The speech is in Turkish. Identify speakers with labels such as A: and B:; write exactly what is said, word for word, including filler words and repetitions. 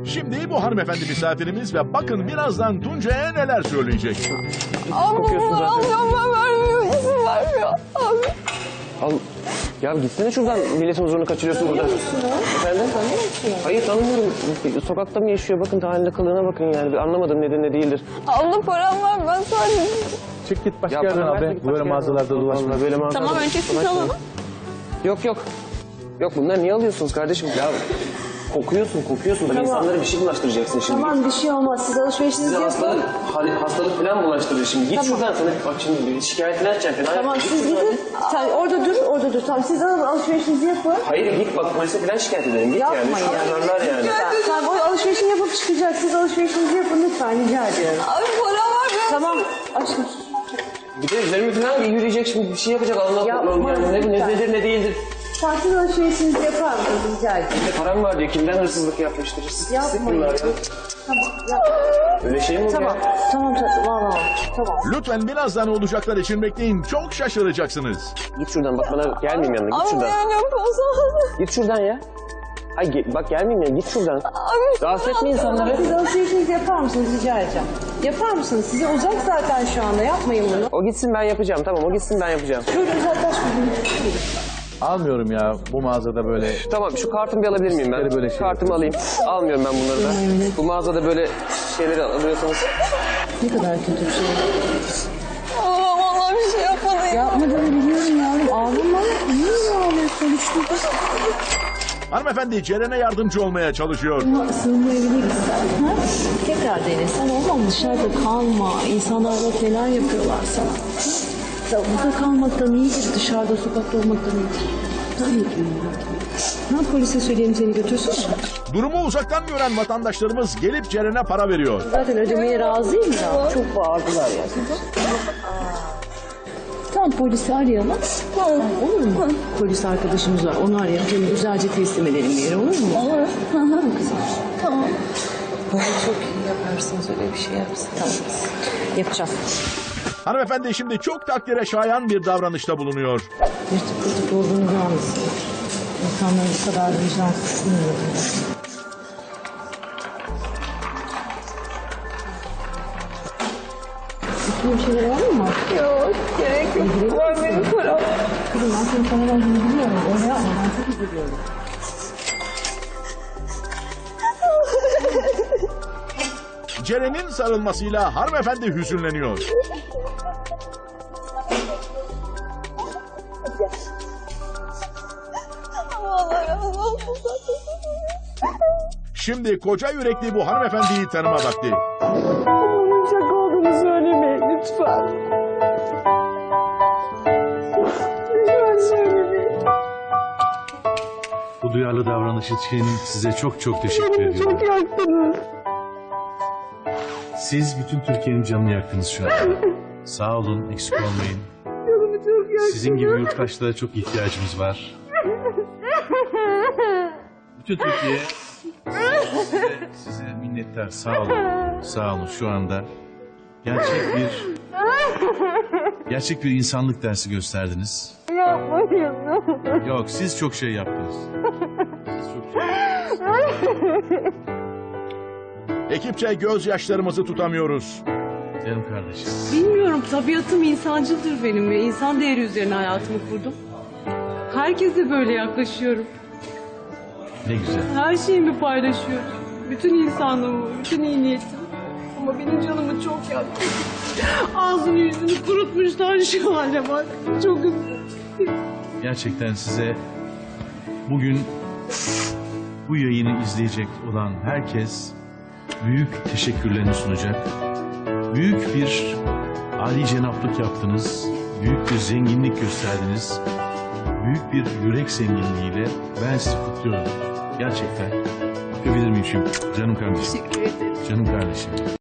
A: Şimdi bu hanımefendi misafirimiz ve bakın birazdan Tuncay'a neler söyleyecek.
B: Kokuyorsun zaten.
C: Ablam vermiyor, izin vermiyor. Abi.
B: Al. Ya gitsene şuradan, milletin huzurunu kaçırıyorsun burada.
C: Tanıyor musun o?
B: Efendim?
C: Tanıyor musun?
B: Hayır tanımıyorum. Sokakta mı yaşıyor? Bakın halinde kılığına bakın yani. Bir anlamadım nedir ne değildir.
C: Abla param var, ben sadece...
D: Çık git başka
B: Ya
D: yerden
B: bana
D: abi.
B: ver de git
D: Böyle
B: başka
D: mağazalarda
B: yerden.
D: dolaşma.
B: Vallahi Böyle mağazalarda
C: Tamam, önce siz
B: dolaşma.
C: alın.
B: Yok yok. Yok bunları niye alıyorsunuz kardeşim? Ya kokuyorsun kokuyorsun. Bak
C: Tamam.
B: insanlara bir şey bulaştıracaksın şimdi.
C: Tamam, bir şey olmaz. Siz alışverişinizi
B: Size
C: yapın.
B: hastalık, hali- hastalık falan bulaştırır şimdi. Git
C: Tamam.
B: şuradan sana bak şimdi şikayetini açacaksın. falan.
C: Tamam,
B: Git
C: siz
B: şuradan.
C: gidin. Sen orada dur, orada dur. Tamam, siz alın, alışverişinizi yapın.
B: Hayır git bak polise falan şikayet edelim. Git yani.
C: Yapmayın.
B: Şunlarlar yani.
C: Lütfen. Tamam, o alışverişini yapıp çıkacak. Siz alışverişinizi yapın lütfen, rica ediyorum. Abi param var ben. Tamam, aşkım.
B: Bir de üzerime falan yürüyecek şimdi bir şey yapacak Allah
C: Yapma,
B: Allah. Yani ne, ne
C: lütfen.
B: nedir ne değildir.
C: Sen siz alışverişinizi yapar mısınız, rica ediyorum.
B: Bir de param var diyor. Kimden hırsızlık yapmıştır? Hırsız
C: Yapmayın.
B: bunlar ya.
C: Tamam, yapmayın.
B: Öyle şey mi olur
C: Tamam,
B: ya?
C: tamam tatlım, tamam, tamam.
A: Lütfen birazdan olacaklar için bekleyin. Çok şaşıracaksınız.
B: Git şuradan bak bana gelmeyeyim yanına git
C: Abi
B: şuradan.
C: dayanıyorum, olsa.
B: Git şuradan ya. Ay ge- bak gelmeyeyim ya git şuradan.
C: Abi.
B: Rahatsız etme insanları.
C: Siz alışverişinizi yapar mısınız, rica edeceğim. Yapar mısınız? Size uzak zaten şu anda, yapmayın bunu.
B: O gitsin ben yapacağım tamam o gitsin ben yapacağım.
C: Şöyle uzaklaş bir.
D: Almıyorum ya bu mağazada böyle.
B: Tamam şu kartımı bir alabilir miyim ben?
D: Böyle şey
B: Kartımı alayım. Almıyorum ben bunları da. Bu mağazada böyle şeyleri alıyorsanız.
C: Ne kadar kötü bir şey.
E: Aa, vallahi bir şey yapmadım.
C: Yapmadığını biliyorum yavrum. Ağlama. Niye ağlıyorsun? İşte
A: Hanımefendi Ceren'e yardımcı olmaya çalışıyor.
C: sığınma evine gitsen. Ha? Tekrar dene. Sen olmam dışarıda kalma. İnsanlar bak neler yapıyorlar sana. Sen burada kalmaktan iyidir. Dışarıda sokakta olmaktan iyidir. Tabii ki. Ne yap, polise söyleyeyim seni götürsün.
A: Durumu uzaktan gören vatandaşlarımız gelip Ceren'e para veriyor.
C: Zaten ödemeye razıyım ya. Çok bağırdılar ya. Tamam, polisi arayalım. Tamam. Olur mu? Polis arkadaşımız var. Onu arayalım. Seni güzelce teslim edelim bir yere, olur mu? Olur. Tamam kızım. Tamam. Çok iyi yaparsınız, öyle bir şey yapsın. Tamam. Yapacağım.
A: Hanımefendi şimdi çok takdire şayan bir davranışta bulunuyor.
C: Yırtık pırtık olduğunu görmesin. İnsanların bu kadar vicdansız bilmiyorum. Üstüne bir şeyler var mı?
E: Yok, gerek yok. Var benim param.
C: Kızım ben senin sana verdiğini biliyorum. Öyle yapma, ben çok üzülüyorum.
A: Ceren'in sarılmasıyla hanımefendi hüzünleniyor.
E: Vallahi razı olsun zaten.
A: Şimdi koca yürekli bu hanımefendiyi tanıma vakti.
E: Bunun şaka olduğunu söylemeyin lütfen. Lütfen söylemeyin.
F: Bu duyarlı davranış için size çok çok teşekkür
E: Beni
F: ediyorum.
E: çok yaktınız.
F: Siz bütün Türkiye'nin canını yaktınız şu an. Sağ olun, eksik olmayın.
E: Canımı çok yaktınız.
F: Sizin gibi yurttaşlara çok ihtiyacımız var. Bütün Türkiye size, size minnettar. Sağ olun. Sağ olun şu anda. Gerçek bir gerçek bir insanlık dersi gösterdiniz.
E: Yapmayın.
F: Yok, siz çok şey yaptınız. Siz çok şey yaptınız.
A: Ekipçe gözyaşlarımızı tutamıyoruz.
F: Canım kardeşim.
G: Bilmiyorum, tabiatım insancıldır benim ve insan değeri üzerine hayatımı kurdum. Herkese böyle yaklaşıyorum.
F: Ne güzel.
G: Her şeyimi paylaşıyorum. Bütün insanlığımı, bütün iyi niyetimi. Ama benim canımı çok yaktı. Ağzını yüzünü kurutmuşlar, şu hale bak. Çok üzüldüm.
F: Gerçekten size bugün bu yayını izleyecek olan herkes büyük teşekkürlerini sunacak. Büyük bir âli cenaplık yaptınız. Büyük bir zenginlik gösterdiniz. Büyük bir yürek zenginliğiyle ben sizi kutluyorum. Gerçekten. Öpebilir miyim şimdi? Canım kardeşim.
G: Teşekkür ederim.
F: Canım kardeşim.